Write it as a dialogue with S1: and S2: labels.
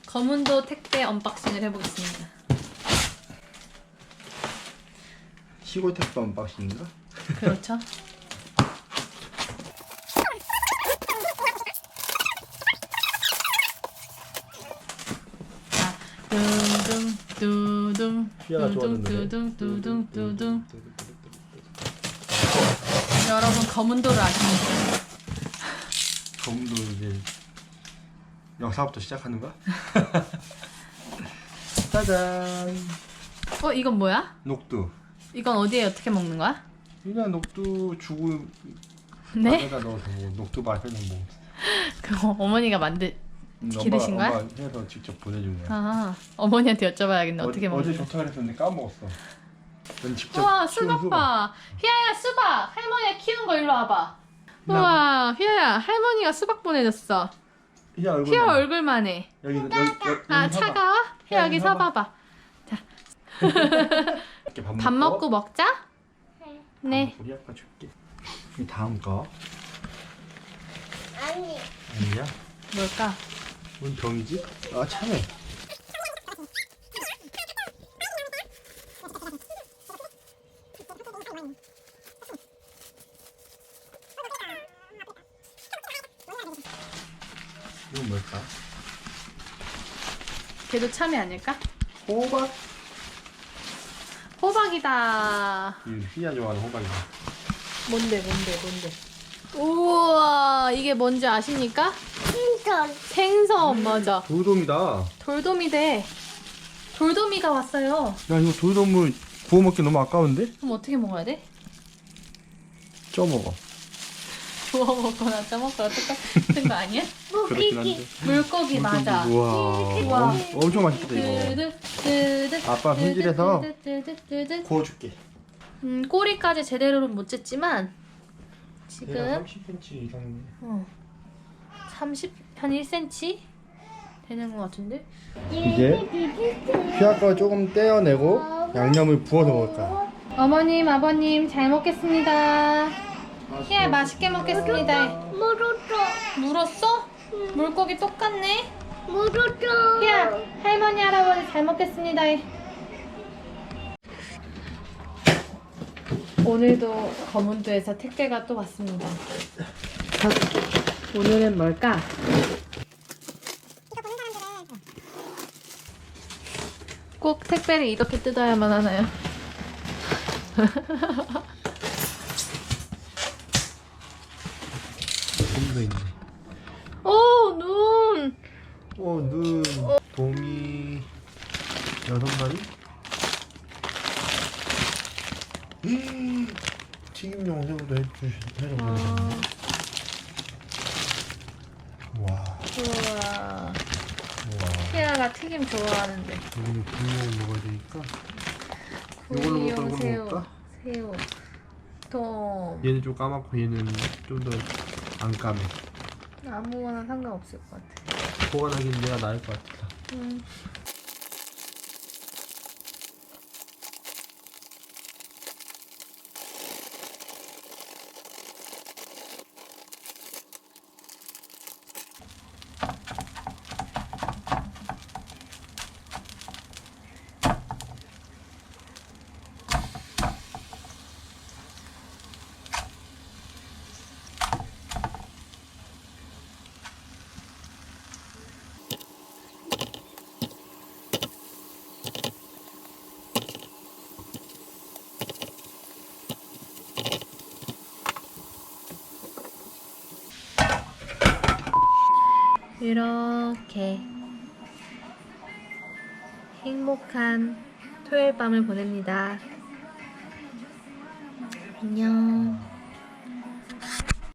S1: 검은도 택배 언박싱을 해보겠습니다.
S2: 시골 택배 언박싱인가?
S1: 그렇죠. 자, 둥둥 두둥 두둥 두둥 두둥 두둥. 여러분 검은도를 아십니까?
S2: 검도 이제 영상부터 시작하는 거야? 짜잔.
S1: 이건 뭐야?
S2: 녹두.
S1: 이건 어디에 어떻게 먹는 거야?
S2: 그냥 녹두 주고
S1: 네?
S2: 밥에다 넣어서 뭐 녹두밥 해서 뭐.
S1: 그거 어머니가 기르신 거야?
S2: 엄마 해서 직접 보내준 거야.
S1: 아, 어머니한테 여쭤봐야겠네. 어떻게 먹는
S2: 어제
S1: 거야?
S2: 좋다 그랬는데 까먹었어. 넌 직접
S1: 우와,
S2: 키운
S1: 수박 봐. 휘아야, 수박. 할머니가 키운 거 일로 와봐. 우와, 휘아야, 할머니가 수박 보내줬어.
S2: 휘아 얼굴.
S1: 휘아 얼굴만 해.
S2: 여기
S1: 아, 차가워? 휘아 여기 서봐봐. 자,
S2: 이렇게
S1: 밥 먹고 먹자? 네.
S2: 우리 아빠 줄게. 이 다음 거.
S3: 아니.
S2: 아니야?
S1: 뭘까?
S2: 뭔 병이지? 아 참해. 이건 뭘까?
S1: 걔도 참외 아닐까?
S2: 호박.
S1: 호박이다.
S2: 이 휘야 좋아하는 호박이야.
S1: 뭔데? 우와, 이게 뭔지 아십니까?
S3: 흰털.
S1: 생선, 맞아.
S2: 돌돔이다.
S1: 돌돔이래. 돌돔이가 왔어요.
S2: 야 이거 돌돔을 구워 먹기 너무 아까운데?
S1: 그럼 어떻게 먹어야 돼?
S2: 쪄 먹어.
S1: 구워 먹거나 쪄먹거나 똑같은 거 아니야?
S2: 그렇긴 한데.
S1: 물고기 맞아.
S2: 우와. 엄청 맛있겠다 이거.
S1: 뜨드.
S2: 아빠 손질해서
S1: 뜨드.
S2: 구워줄게.
S1: 꼬리까지 제대로는 못 쨌지만 지금
S2: 30cm 이상.
S1: 한 1cm 되는 것 같은데?
S2: 이제 휘아가 조금 떼어내고 양념을 부어서 먹을 거야.
S1: 어머님, 아버님 잘 먹겠습니다. 휘아 맛있게 먹겠습니다.
S3: 물었어.
S1: 물었어? 물고기 똑같네?
S3: 물었어.
S1: 휘아, 할머니, 할아버지 잘 먹겠습니다. 오늘도 검은도에서 택배가 또 왔습니다. 오늘은 뭘까? 꼭 택배를 이렇게 뜯어야만 하나요?
S2: 돔도 있네.
S1: 오, 눈!
S2: 눈. 돔이 6마리? 튀김용 새우도 해서 보내셨네. 와.
S1: 우와.
S2: 우와.
S1: 희아가 튀김 좋아하는데.
S2: 여기는 구이용 먹어야 되니까. 이걸로
S1: 구이용
S2: 먹을까? 이걸로
S1: 새우.
S2: 먹을까?
S1: 새우. 돔.
S2: 얘는 좀 까맣고 얘는 좀 더 안 까매.
S1: 아무거나 상관없을 것 같아.
S2: 보관하기는 내가 나을 것 같아.
S1: 이렇게 행복한 토요일 밤을 보냅니다. 안녕.